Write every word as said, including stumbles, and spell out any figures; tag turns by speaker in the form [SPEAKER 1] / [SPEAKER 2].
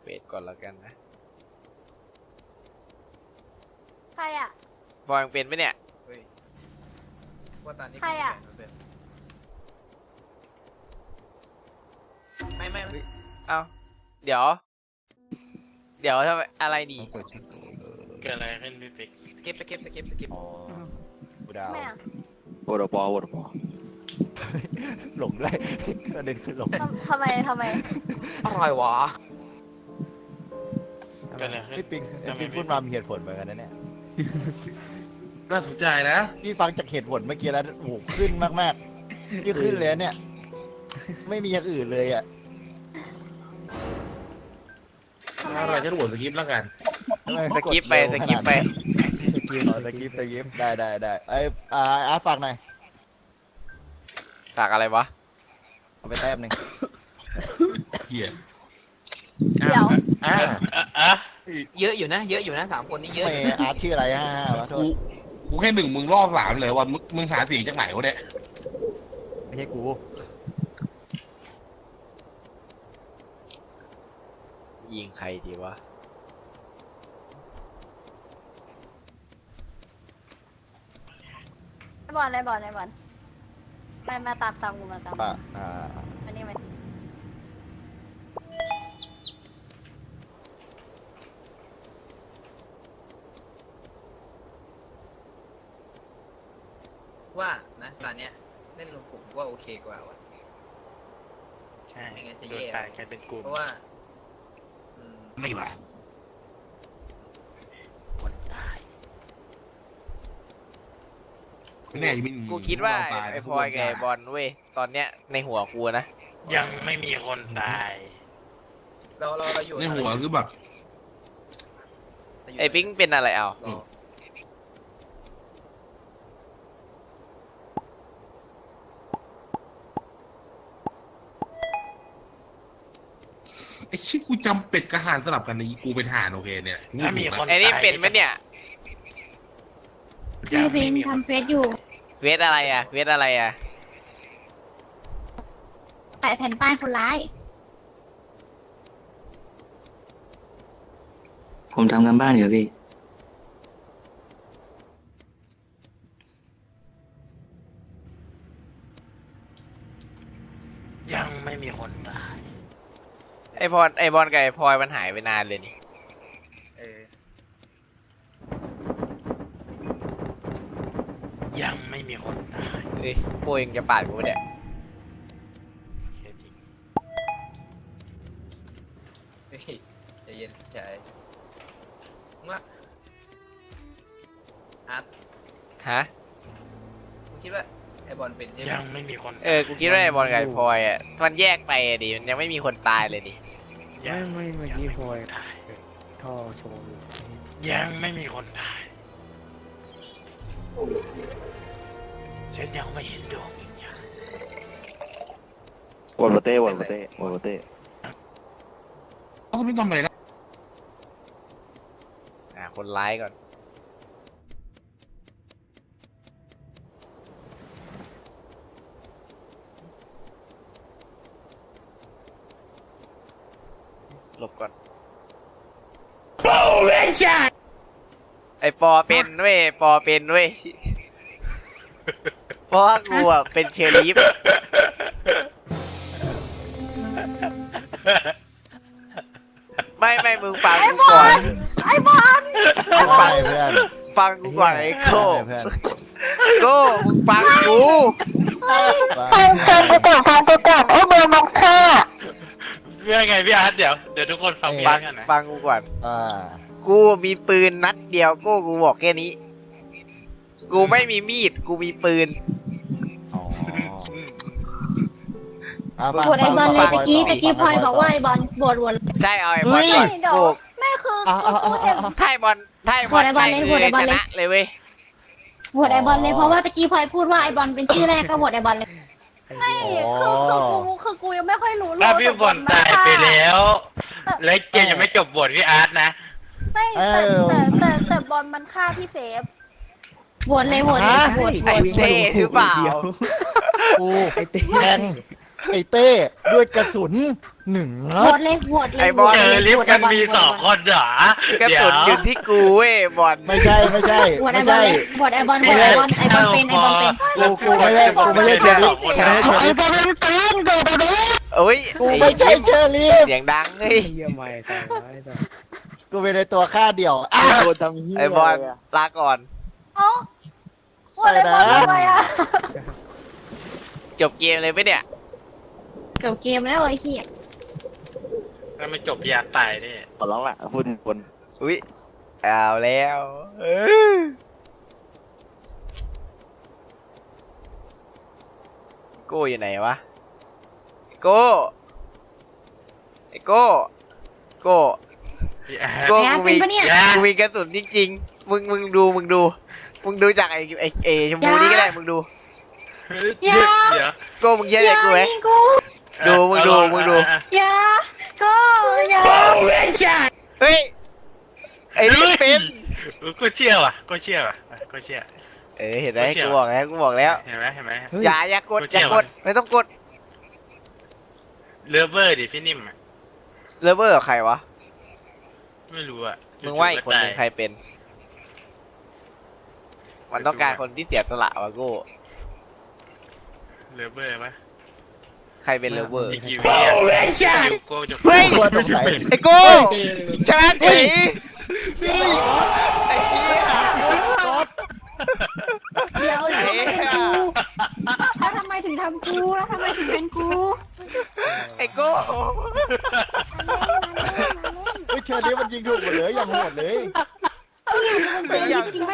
[SPEAKER 1] วทก่อนแล้วกันนะ
[SPEAKER 2] ใครอ่ะ
[SPEAKER 1] บอยยังเป็นไหมเนี่ย
[SPEAKER 3] เฮ้ยว่าตอนนี้
[SPEAKER 2] ใครอะ
[SPEAKER 3] ไม่ไม่ไม่
[SPEAKER 1] เอ้าเดี๋ยว เดี๋ยวทำไมอะไรดี
[SPEAKER 4] เปิดชื่อ
[SPEAKER 5] เกิดอะไรขึ้นพี่ปิ๊ก
[SPEAKER 3] สกิปสกิปสกิปสกิป
[SPEAKER 4] อ๋อกูดาว
[SPEAKER 2] ไม่อ่ะ
[SPEAKER 4] โวตปอโวตปอหลงได้ประเด็นคือหลง
[SPEAKER 2] ทำทำไมทำไม
[SPEAKER 3] อะไรวะ
[SPEAKER 5] เกิดอะไรขึ้น
[SPEAKER 4] พี่ปิงพี่ปิงพูดมามีเหตุผลเหมือนกันนะเนี่ย
[SPEAKER 6] น่าสนใจนะ
[SPEAKER 4] พี่ฟังจากเหตุผลเมื่อกี้แล้วโอ้โหขึ้นมากๆพี่ขึ้นเลยเนี่ย ไม่มีอย่างอื่นเลยอ่ะ
[SPEAKER 2] ทำไม
[SPEAKER 6] อะไร
[SPEAKER 2] อ่ะ
[SPEAKER 6] จะโหวตสกิปแล้วกัน
[SPEAKER 4] ทำไม
[SPEAKER 1] สกิปไปสกิปไป
[SPEAKER 4] สกิปอ๋อสกิปสกิปได้ได้ได้ไอ้อ่าอาร์ตฝากหน่อย
[SPEAKER 1] ฝากอะไรวะ
[SPEAKER 4] เอาไปแต้มหนึ่ง
[SPEAKER 6] เหี้ย
[SPEAKER 2] เดี๋ยว
[SPEAKER 6] อ่า
[SPEAKER 5] อ่ะอ่ะ
[SPEAKER 3] เยอะอยู่นะ เยอะอยู่นะสามคนนี้เยอะ
[SPEAKER 4] ไม่อาร์ตชื่ออะไรฮะวะโท
[SPEAKER 6] กู
[SPEAKER 4] ษ
[SPEAKER 6] กูแค่หนึ่งมึงล่อสามเลยวันมึงมึงหาเสียงจากไหนวะเนี่ย
[SPEAKER 4] ไม่ใช่กู
[SPEAKER 1] ยิงใครดีวะ
[SPEAKER 2] ไอบอลไอบอลไอบอลมามาตามตามกูมาตาม
[SPEAKER 4] อ่าอ่า
[SPEAKER 2] อันนี้มา
[SPEAKER 3] ว่านะตอนเนี้ยเล่นรวมกลุ่มว่าโอเคกว่าว่ะ
[SPEAKER 5] ใช่
[SPEAKER 3] ไม่งั้นจะ
[SPEAKER 5] โด
[SPEAKER 3] แย่
[SPEAKER 5] นตายกันเป็นกลุ่ม
[SPEAKER 3] เพราะว่าอืม
[SPEAKER 6] ไม่ละ
[SPEAKER 5] คนตาย
[SPEAKER 6] ไม่แน่จะมี
[SPEAKER 1] กูคิดว่า
[SPEAKER 6] ตาย
[SPEAKER 1] ไอ้พลอยกับไอ้บอลเว้ย ตอนเนี้ยในหัวกูนะ
[SPEAKER 5] ยังไม่มีคนตาย
[SPEAKER 3] เราเราเราอยู่
[SPEAKER 6] ในหัวคือแบบ
[SPEAKER 3] เรายู่
[SPEAKER 1] ไอ้ปิ๊งเป็นอะไรเอา
[SPEAKER 3] เรา
[SPEAKER 6] ไอ้ชิกูจำเป็ดกระหานสลับกันในกูเป็นทหารโอเคเนี่ย
[SPEAKER 5] ถ้ามีคน
[SPEAKER 1] ไอ้นี่เป็นไหมเนี่ย
[SPEAKER 5] ยัง
[SPEAKER 7] พี่
[SPEAKER 5] ไม่
[SPEAKER 7] พิง
[SPEAKER 5] มีคน
[SPEAKER 7] ทำเฟซอยู่
[SPEAKER 1] เวทอะไรอ่ะ เวทอะไรอ่ะ
[SPEAKER 7] แปะแผ่นป้ายคนร้าย
[SPEAKER 8] ผมทำกันบ้านอยู่พี่
[SPEAKER 5] ยังไม่มีคนตาย
[SPEAKER 1] ไอ้บอลไอ้บอลกับไอ้พลอยมันหายไปนานเลยนี่
[SPEAKER 3] เออ
[SPEAKER 5] ยังไม่มีคนตาย
[SPEAKER 1] เฮ้ยโป้ยังจะปาดกูเนี่ย
[SPEAKER 5] แค่จริง
[SPEAKER 3] เฮ้ยใจเย็นใจว่าอาร์ต
[SPEAKER 1] ฮะ
[SPEAKER 3] มึงคิดว่าไอบอลเป็นใช่ไหม
[SPEAKER 5] ยังไม่มีคน
[SPEAKER 1] เออ กูคิดว่าไอ้บอลกับไอ้พลอยอ่ะ มันแยกไปอะดิ มันยังไม่มีคนตายเลยดิ
[SPEAKER 5] ยังไม่เมื่อกี้พอยตาย
[SPEAKER 4] ท่อโชว์อยู่
[SPEAKER 5] ยังไม่มีคนตายฉันยังไม่เห็นดวงวิญญาณ
[SPEAKER 4] วอลเต้วอลเต้วอลเต้
[SPEAKER 6] เขาไม่ทำอะไรนะ
[SPEAKER 1] อ่า คนร้ายก่อน หลบก่อน ไอปอเป็นเว้ย ปอเป็นเว้ย เพราะว่ากูอ่ะเป็นเชอรีฟ ไม่ไม่มึงฟังกูก่อน
[SPEAKER 2] ไอบอล
[SPEAKER 4] ไปเพื่อน
[SPEAKER 1] ฟังกูก่อนไอ้โก้
[SPEAKER 4] เพื่อน
[SPEAKER 1] โก้มึงฟังกู
[SPEAKER 7] ฟังฟังไปก่อนฟังไปก่อนไอ้เบอร์มันฆ่า
[SPEAKER 5] เพื่อไงพี่อาร์ตเดี๋ยวเดี๋ยวทุกคนฟังพี่
[SPEAKER 1] ฟั
[SPEAKER 5] อาง ร์ตกันนะ
[SPEAKER 1] ฟังกูก่อน
[SPEAKER 4] อ่า
[SPEAKER 1] กูมีปืนนัดเดียวโก้กูบอกแค่นี้ กูไม่มีมีด กูมีปืน
[SPEAKER 4] อ๋ออ่ะฟัง
[SPEAKER 7] โหวตไอ้บอลเลย
[SPEAKER 4] ฟัง
[SPEAKER 7] ตะกี้
[SPEAKER 4] ฟั
[SPEAKER 7] ตะ
[SPEAKER 4] ง
[SPEAKER 7] กี้พลอย
[SPEAKER 4] ฟัง
[SPEAKER 7] บอกว่าไอ้บอลโหวตโหวต
[SPEAKER 1] ใช่เอาไอ้บอลก่อน
[SPEAKER 2] เดี๋ยว
[SPEAKER 1] กู
[SPEAKER 2] ไม่คือ
[SPEAKER 4] อ่ะอ่ะ
[SPEAKER 2] กู
[SPEAKER 4] อ่ะ
[SPEAKER 2] จะ
[SPEAKER 4] อ่ะ
[SPEAKER 1] ถ้าไอ้บอลถ้าไอ้บอล
[SPEAKER 7] โหวตไอ้บอล
[SPEAKER 1] ใช่
[SPEAKER 7] เลย
[SPEAKER 1] คื
[SPEAKER 7] โหวตไอ้
[SPEAKER 1] อบ
[SPEAKER 7] อล
[SPEAKER 1] ช
[SPEAKER 7] เลย
[SPEAKER 1] นะเลยเว้ย
[SPEAKER 7] โหวตไอ้บอลเลยเพราะว่าตะกี้พลอยพูดว่าไอ้บอลเป็นชื่อแรกก็โหวตไอ้บอลเลย
[SPEAKER 2] ไม่คือคือกูคือกูยังไม่ค่อยรู้เรื่
[SPEAKER 5] ถ้า
[SPEAKER 2] อง
[SPEAKER 5] พี่บอลตายไปแล้ว และเกมยังไม่จบบทพี่อาร์ตนะ
[SPEAKER 2] ไม่แต่แต่แต่แต่บอลมันฆ่าพี่เซฟ
[SPEAKER 7] โหวตเลยโหวตเลยโหวตโหว
[SPEAKER 1] ไอ้
[SPEAKER 7] ต
[SPEAKER 1] เต้หรือเปล่า
[SPEAKER 4] กูแทงไอ้เต้ด้วยกระสุนหนึ่ง
[SPEAKER 7] โห
[SPEAKER 4] นั
[SPEAKER 7] ว
[SPEAKER 4] ด
[SPEAKER 7] ตเลยโหวตเลย
[SPEAKER 1] ไอ้บอล
[SPEAKER 5] เจอลิฟต์กันมีสองคนเหรอก
[SPEAKER 1] ระ
[SPEAKER 5] เดี๋ย
[SPEAKER 1] สุ
[SPEAKER 5] วน
[SPEAKER 1] อยู่ที่กูเว้ยบอล
[SPEAKER 4] ไม่ใช่ไม่ใช่
[SPEAKER 7] โหวตไอ
[SPEAKER 4] ไม่
[SPEAKER 7] บอล
[SPEAKER 4] ใช่
[SPEAKER 7] เลยโหวตไอบอลโหวตไอบอลไอบอลเป็นไอบอลเป็น
[SPEAKER 4] กูกูไม่ใช่กูไม่ใช่เชอรี่
[SPEAKER 5] ใช่
[SPEAKER 4] ไอ้บอลเป็นปืนโดดโดด
[SPEAKER 1] โอ้ย
[SPEAKER 4] กูไม่ใช่เชอรี่
[SPEAKER 1] เสียงดังเฮ้ย
[SPEAKER 8] เยี่ยมไม่ใช่ไม่ใช่
[SPEAKER 4] กูเป็นในตัวฆ่าเดี่ยวอ้าว
[SPEAKER 8] โดนทำเหี้ย
[SPEAKER 1] ไอ้บอลลาก่อน
[SPEAKER 2] เอ้าโหวตไอบอลทำไมอ่ะ
[SPEAKER 1] จบเกมเลยไหมเนี่ย
[SPEAKER 7] จบเกมแล้วไอ้เหี้ย
[SPEAKER 5] ถ้าไม่จบอยากตายนี่
[SPEAKER 8] ขอร้องละพูดบน
[SPEAKER 1] อุ้ยเอาแล้วเออโก้อยู่ไหนวะโก้ไอ้โก้โก้โก้
[SPEAKER 7] แพ้
[SPEAKER 1] กู
[SPEAKER 7] เป็น
[SPEAKER 1] มี
[SPEAKER 7] ปะเนี่ย
[SPEAKER 1] กูมีกระสุนจริงๆมึงมึงดูมึงดูมึงดูจากไอ้ไอ้เอชมพูนี่ก็ได้มึงดู
[SPEAKER 5] เดี๋ยวเดี๋ยว
[SPEAKER 1] โก้มึงเชื่อใจกูไหม
[SPEAKER 7] ยิงกู
[SPEAKER 1] ดูมึงดูมึงดู
[SPEAKER 7] อย่าก็อย่า
[SPEAKER 1] เฮ้ยไอ้นี่เป็น
[SPEAKER 5] ก็เชื่อว่ะก็เชื่อว่ะก็เชื่อ
[SPEAKER 1] เออเห็นไหม
[SPEAKER 5] ไม่เชื่อ
[SPEAKER 1] กูบอกแล้วกูบอกแล้ว
[SPEAKER 5] เห็นไหมเห็นไหม
[SPEAKER 1] อย่าอย่ากดอย่ากดไม่ต้องกด
[SPEAKER 5] เลิฟเวอร์ดิพี่นิ่มอะ
[SPEAKER 1] เลเวอร์กับใครวะ
[SPEAKER 5] ไม่รู้อะ
[SPEAKER 1] มึงว่าอีกคนหนึงใครเป็น มันต้องการคนที่เสียสละวะโก้
[SPEAKER 5] เลิฟเวอร์ไหม
[SPEAKER 1] ใครเป็นเลเวอร์
[SPEAKER 5] อีกกี่วิอะยูโก้จะ
[SPEAKER 1] เฮ้ย
[SPEAKER 4] ตัวสงสัย
[SPEAKER 1] ไอ้โก้ชนะเฉยไอ้เหี้ย
[SPEAKER 7] เดี๋ยวแล้วทำไมเป็นกูแล้วทำไมถึงทำกูแล้วทำไมถึงเป็นกู
[SPEAKER 1] ไอ้โก้
[SPEAKER 4] เฮ้ยเชอรี่มันยิงถูกหมดเลยอย่างโหดเลย
[SPEAKER 7] จริงปะ